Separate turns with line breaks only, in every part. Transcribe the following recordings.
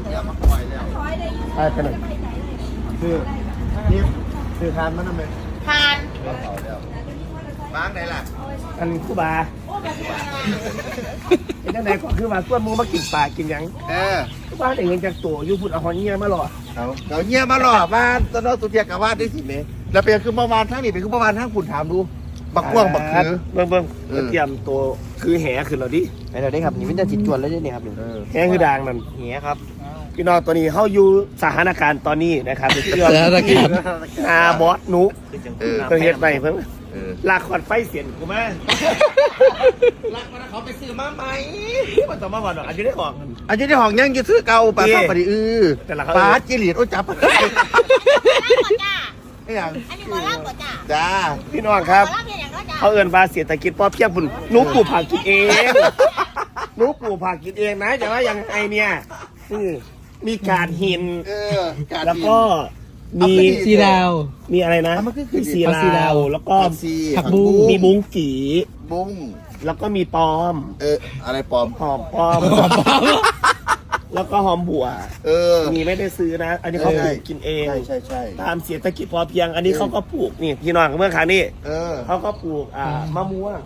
ไปไหนคือทานมันทำไม
ทาน
บ้างไหนล่ะอันคู่บาไอ้เจ้าไหนก็คือว่าส่วนมูมากินปลากินยังคู่บาแต่เงินจากตัวอยู่พุ่นเอาหอยเงี้ยมาหล่อเอาเงี้ยมาหล่อบ้านตอนนั้นตัวเทียกับบ้านได้สิเมแล้วเป็นคือเมื่อวานทั้งนี้เป็นคือเมื่อวานทั้งคุณถามดูบักกว้างบักคือเบิ่งเตรียมตัวคือแหคือเราดิ
ไปเราได้ครับนี่เป็นจะจิตจวนแล้วเนี่ยครับ
แหคือด่างนั่น
แหครับ
พี่น้องตัวนี้เขาอยู่สถานการณ์ตอนนี้นะครับเป็นเรื่องอาบอสนุเคยเห็นไปเพิ่งลากขอดไฟเสียนกูมาลากมาเขาไปซื้อมาไหมมันต้องมาบอกหรอกอายุได้ของยังจะซื้อเก่าปลาข้าวปลาดิแต่ละปลาจิริตโอ้จับไอ้ยังอันนี้หมอลาบจ้าพี่น้องครับเขาเอิ้นว่าเศรษฐกิจพอเพียงพุ่นนุ๊กปลูกผักกินเองนุ๊กปลูกผักกินเองนะแต่ว่ายังไงเนี่ยมีการหินแล้วก็มี
ซีดาว
มีอะไรนะมีซีดาวแล้วก็
ผักบุ้ง
มีบุ้งกี
บุ้ง
แล้วก็มีปอม
อะไรปอม
หอมปอมแล้วก็หอมบัวมีไม่ได้ซื้อนะอันนี้เขาปลูกกินเอง
ใช่
ตามเศรษฐกิจพอเพียงอันนี้เขาก็ปลูกนี่พี่น้องเมื่อครั้งนี้เขาก็ปลูกมะม่วง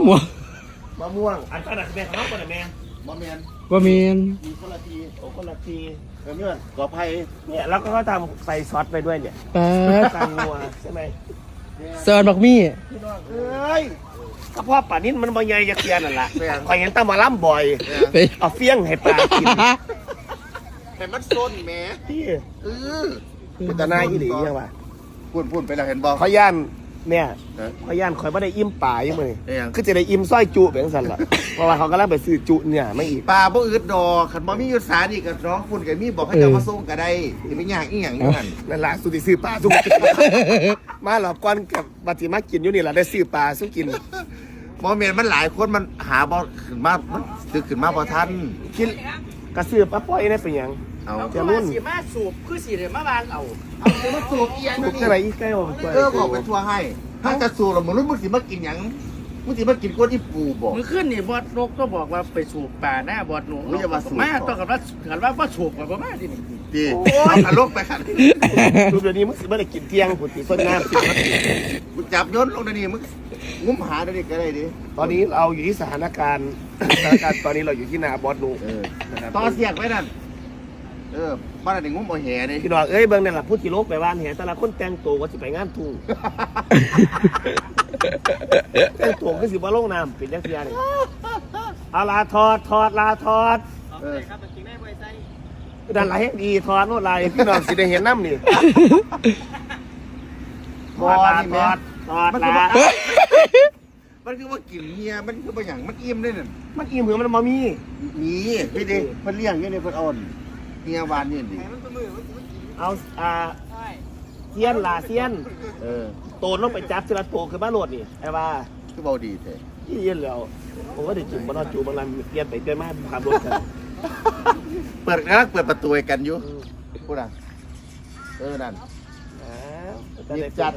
อันนั้นแม่เขาคนไหนแม่
มะเมียนมีคนละที
เนี่ยกอไผ่เนี่ยแล้วก็ทำใส่ซอสไปด้วยเนี่ยตังงัวใช่ไหม
เซิร์นบักมี่
พี่น้องกระเพาะป่านิ้นมันบ่ใหญ่จะเกียนนั่นแหละคอยเห็นตามาล่ำบ่อยเอาเฟี้ยงให้ปลากิน
แต่มันโซนแม่
ที่เป็นตาหน้าอีหลียังวะ
พูดไปแล้วเห็นบอก
เขาย่านเนี่ยเขาย่านคอยไม่ได้อิ่มป่ายังไงคือจะได้อิ่มสร้อยจุแบบนั้นแหละเพราะว่าเขากำลังไปซื้อจุเนี่ยไม่อีก
ปลาบ่อึดดอกขันบ่มียุทธศาสตร์อีกกับน้องฝุ่นกับมีบอกให้เจ้ามาส่งก็ได้ไม่ยากอีหยัง
นั่นแหละสุดที่ซื้อปลาสุกมาหลอกก้อนกับบัติมากินอยู่นี่แหละได้ซื้อปลาสุกิน
มอเมนมันหลายคนมันหาบอขึ้นมามันซื้อขึ้นมาพอทัน
คิดกระซื้อปลาปล่อยได้เป็นยัง
จะรุ่นสีมาสูบคือสีเดียมาวางเอา
มาสูบเอียง
สูบอะไรอีกใกล้บอก
บอกเป็นทัวร์ให้ถ้าจะสูบเราเหมือนรุ่นมึงสิมากินยังมึงสิมากินก้นที่ปูบอก
มึงขึ้นนี่บอดนกก็บอกว่าไปสูบป่าหน้าบอดหนู
ไม่จะมาสูบ
มาต้องกันว่าสูบแบบว่าที่นี่
ดีเอาขาลกไปค่ะ
รูปเดี๋ยวนี้มึงสิมาได้กินเที่ยงผุดตีต้นน้ำ
มึงจับย้อนลงในนี้มึงงุ้มหาได้ดิก็ได้ดิ
ตอนนี้เราอยู่ที่สถานการณ์ตอนนี้เราอยู่ที่นาบอสนู
ต่อเสียกไว้นั่นบ้านไหนงุ้มเอาแห่เลย
พี่น้องเบิ่งนั่นแหละพูดที่โลกไปบ้านแห่แต่ละคนแต่งตัวก็สิไปงานทุ่งแต่งตัวก็สิบ่ลงน้ำเป็นยังไงเอาลาทอดลาทอดด้านไหนดีทอดโน่นไรพี่น้องสิได้เห็นน้ำนี่ทอดลา
มันคือว่ากินเมียมันคือว่าอย่างมันอิ่มได้นั่น
มันอิ่มเหมือนมันมามี
พี่เด็กเพิ่นเลี้ยงอยู่ในเพิ่นอ่อนเมียหวานนี่ดิ
เอาเซียนลาเซียนโตนต้องไปจับเสร็จโตคือบ้านโหลดนี่ไอ้ว่า
คือเบาดีแท้
ยี่เย็นแล้วผมก็ได้จุ่มบอลจูบอลลันเกียนไปเกินมากขับรถกัน
เปิดประตูกันอยู่พูดอ่ะนั่น
จัด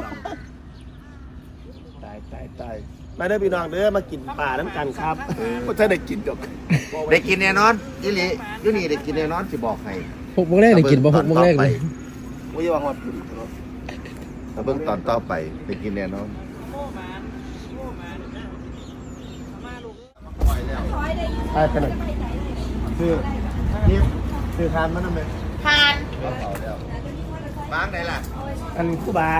ตายมาเด้อพี่น้องเด้อมากินป่าน้ำกันครับก็จะได้กินดอก
ได้กินแน่นอนยี่หลีอยู่นี่ได้กินแน่นอนสิบอกให้
6 โมงแรกได้กินบ่6 โมงแรกเลย
ไม่ใช่ว่าฮอต
เบื้องตอนต่อไปได้กินแน่นอน
ไปไหนคือทานมันทำไม
ทานบ้างไหนล่ะ
อันคู่บา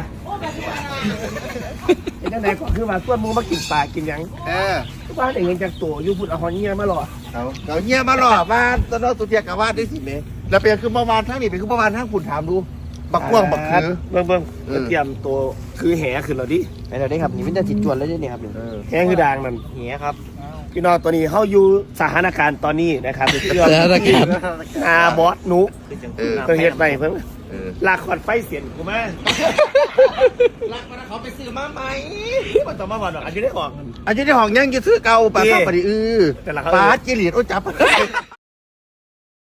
ไอ้เจ้าไหนก็คือว่าส่วนมูมากินปลากินยังคู่บาแต่เงินจากตัวอยู่พุ่นเอาหอยเงี้ยมาหล่อ
เขาเงี้ยมาหล่อบ้านตอนนั้นตัวเทียกับบ้านได้สิเมแล้วเป็นคือเมื่อวานทั้งนี้เป็นคือเมื่อวานทั้งคุณถามดูบักกว้างบักคือ
เบิ่งเตรียมตัวคือแหคือเราดิ
ไปเราได้ครับนี่เป็นจะจิตจวนแล้วเนี่ยครับ
แหคือด่างนั่น
แหครับ
พี่น้องตัวนี้เขาอยู่สถานการณ์ตอนนี้นะครับเป็นเรื่องอาบอสนุเคยเห็นไปเพิ่งลากขอดไฟเสียนกูมาลากมาเขาไปซื้อมาไหมมันต้องมาบอกหรอกอายุได้ของ
ยังจะซื้อเก่าปลาข้าวปลาดิแต่ละปลาจิริตโอ้จับ